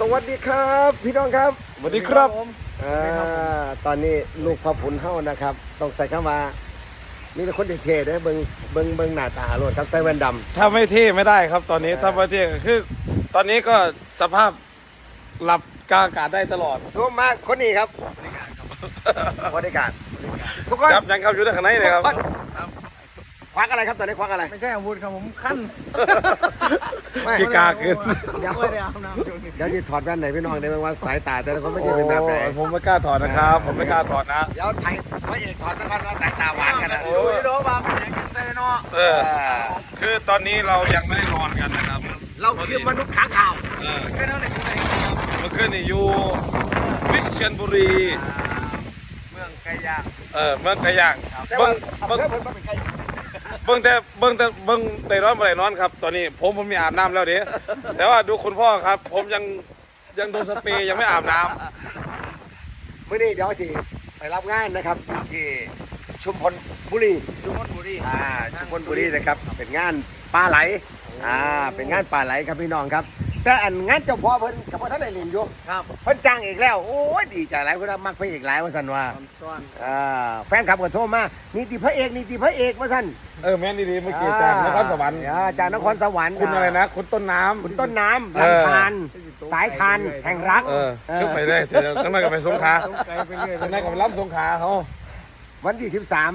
สวัสดีครับพี่น้องครับสวัสดีครับตอนนี้ลูกพ่อผุนเฮานะครับต้องใส่คำว่ามีแต่คนเท่ๆได้เบิ่งหน้าตาโลดครับใส่แว่นดำถ้าไม่เท่ไม่ได้ครับตอนนี้ถ้าไม่เท่คือ ตอนนี้ก็สภาพหลับกลางอากาศได้ตลอดสูงมากคนนี้ครับบริการทุกคนจับยังครับอยู่ในข้างในเลยครับควักอะไรครับตอนนี้ควักอะไรไม่ใช่อาวุธครับผมขั้นไม่กีกาขึ้นเดี๋ยวไม่ได้อาบน้ำช่วงนี้เดี๋ยวจะถอดแว่นไหนพี่น้องได้ไหมว่าสายตาแต่ละคนไม่ได้เป็นแบบไหนโอ้ผมไม่กล้าถอดนะครับ ผมไม่กล้าถอดนะเดี๋ยวไทยพระเอกถอดแล้วกันว่าสายตาหวานกันนะโอ้โอ้ยโดบาเป็นอย่างกันเซเนาะคือตอนนี้เรายังไม่ได้นอนกันนะครับเราคือมนุษย์ค้างข่าวเออแค่นั้นเองครับเมื่อคืนนี่อยู่วิเชียรบุรีเมืองไก่ย่างเมื่อไก่ย่างแต่เบิ้ว่างเบิ้งเพิ่นเป็นใครเบิ้งได้นอนบ่ได้นอนครับ ตอนนี้ผมมีอาบน้ำแล้วเด้แต่ว่าดูคุณพ่อครับ ผมยังโดนสเปรย์ยังไม่อาบน้ำมื่อนี้เดี๋ยวที่ไปรับงานนะครับที่ชุมพลบุรีจุมพลบุรีชุมพลบุรีนะครับเป็นงานปลาไหลเป็นงานปลาไหลครับพี่น้องครับ แต่อันงานเจ้าพ่อเพิ่นกับพ่อท่านได้เรียนอยู่ครับเพิ่นจ้างอีกแล้วโอ้ยดีใจหลายเพิ่นว่ามักพระเอกหลายว่าซั่นว่าตอนซ้อนแฟนคลับก็โทรมานี่ติพระเอกนี่ติพระเอกว่าซั่นแม่นดีๆเมื่อกี้จากนครสวรรค์จากนครสวรรค์คุณอะไรนะ คุณต้นน้ำคุณต้นน้ำลำธารสายทานแห่งรักขึ้นไปได้เดี๋ยวข้างในก็ไปสงขลาต้องไกลไปเรื่อยข้างในก็ไปรับสงขลาเขาวันที่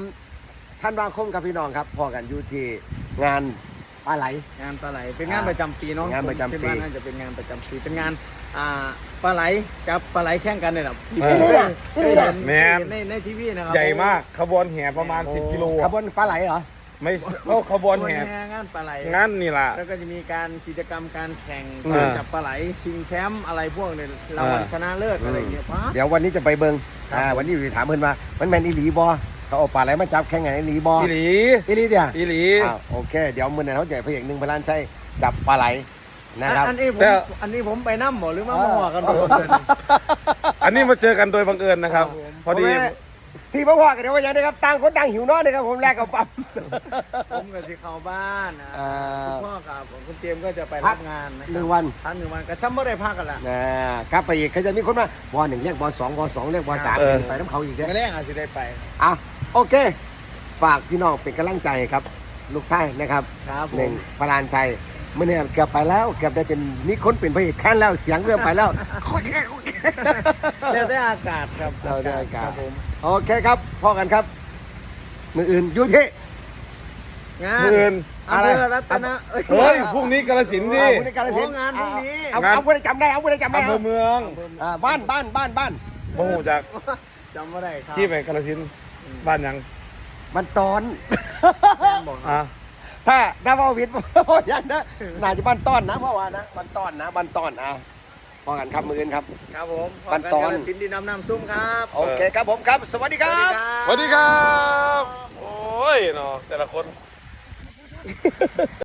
13ธันวาคมครับพี่น้องครับพอกันอยู่ที่งานปลาไหลงานปลาไหลเป็นงานประจำปีเนาะงานประจำปีผมคิดว่าน่าจะเป็นงานประจำปีเป็นงานปลาไหลกับปลาไหลแข่งกันเนี่ยแหละเออเคยเห็นในทีวีนะครับใหญ่มากขบวนแห่ประมาณ10 กิโลขบวนปลาไหลเหรอไม่ก็ขบวนแห่งานปลาไหลงั้นนี่ล่ะแล้วก็จะมีการกิจกรรมการแข่งอืมการจับปลาไหลชิงแชมป์อะไรพวกเนี่ยรางวัลชนะเลิศอะไรอย่างเงี้ยป้าเดี๋ยววันนี้จะไปเบิงครับวันนี้อยู่ถามเพิ่นว่ามันแมนอีหลีบอเขาเอาปลาไหลมาจับแข่งไงอีหลีบออีหลีอีหลีเดียวอีหลีโอเค เดี๋ยวมื้อนั้นเขาจะพระเอกหนึ่งพระล้านชัยจับปลาไหลนะครับอันนี้ผมแต่อันนี้ผมไปน้ำหมอหรือมาหัวกันหมดเลยอันนี้มาเจอกันโดยบังเอิญนะครับครับผมพอดีที่พ่อพ่อกันเดี๋ยวว่าอย่างนี้ครับต่างคนต่างหิวนอนนะครับผมแลกกับปั๊มผมกับที่เข้าบ้านนะอ่าคุณพ่อกับคุณเจมส์ก็จะไปพัรักบงานนะหนึ่งวันพักหนึ่งวันกระชับไม่ได้พักกันละครับพระเอกเขาจะมีคนมาบอหนึ่งเรียกบอสองบอสองเรียกบอสามเออไปน้ำเขาอีกเด้อไม่แรกอาจจะได้ไปโอเค ฝากพี่น้องเป็นกำลังใจครับ ลูกชายนะครับครับผมหนึ่งพระลานชัยเมื่อเนี่ยเกือบไปแล้วเกือบได้เป็นมีคนเป็นพระเอกขั้นแล้วเสียงเริ่มไปแล้วเดี๋ยวได้อากาศครับเราได้อากาศครับผมโอเคครับพ่อกันครับ มืออื่นอยู่ที่งานมื้ออื่นอำเภอรัตนะเฮ้ยพรุ่งนี้กาฬสินธุ์ดิผู้ในการสินธุ์งานพรุ่งนี้เอาผู้ใดจำได้เอาผู้ใดจำได้อำเภอเมืองบ้านโมโหจากจำไม่ได้ครับที่ไปกาฬสินธุ์บ้านยังมันตอนแม่บอกครับถ้าพ่อวิทย์พ่อยังนะน่าจะบ้านต้อนนะพ่อว่านะบ้านต้อนนะบ้านต้อนพ่อกันครับมืออื่นครับครับผมบันตอนกาฬสินธุ์ดินน้ำซุ่มครับโอเคครับผมครับ สวัสดีครับสวัสดีครับ โอ้ยเนาะแต่ละคน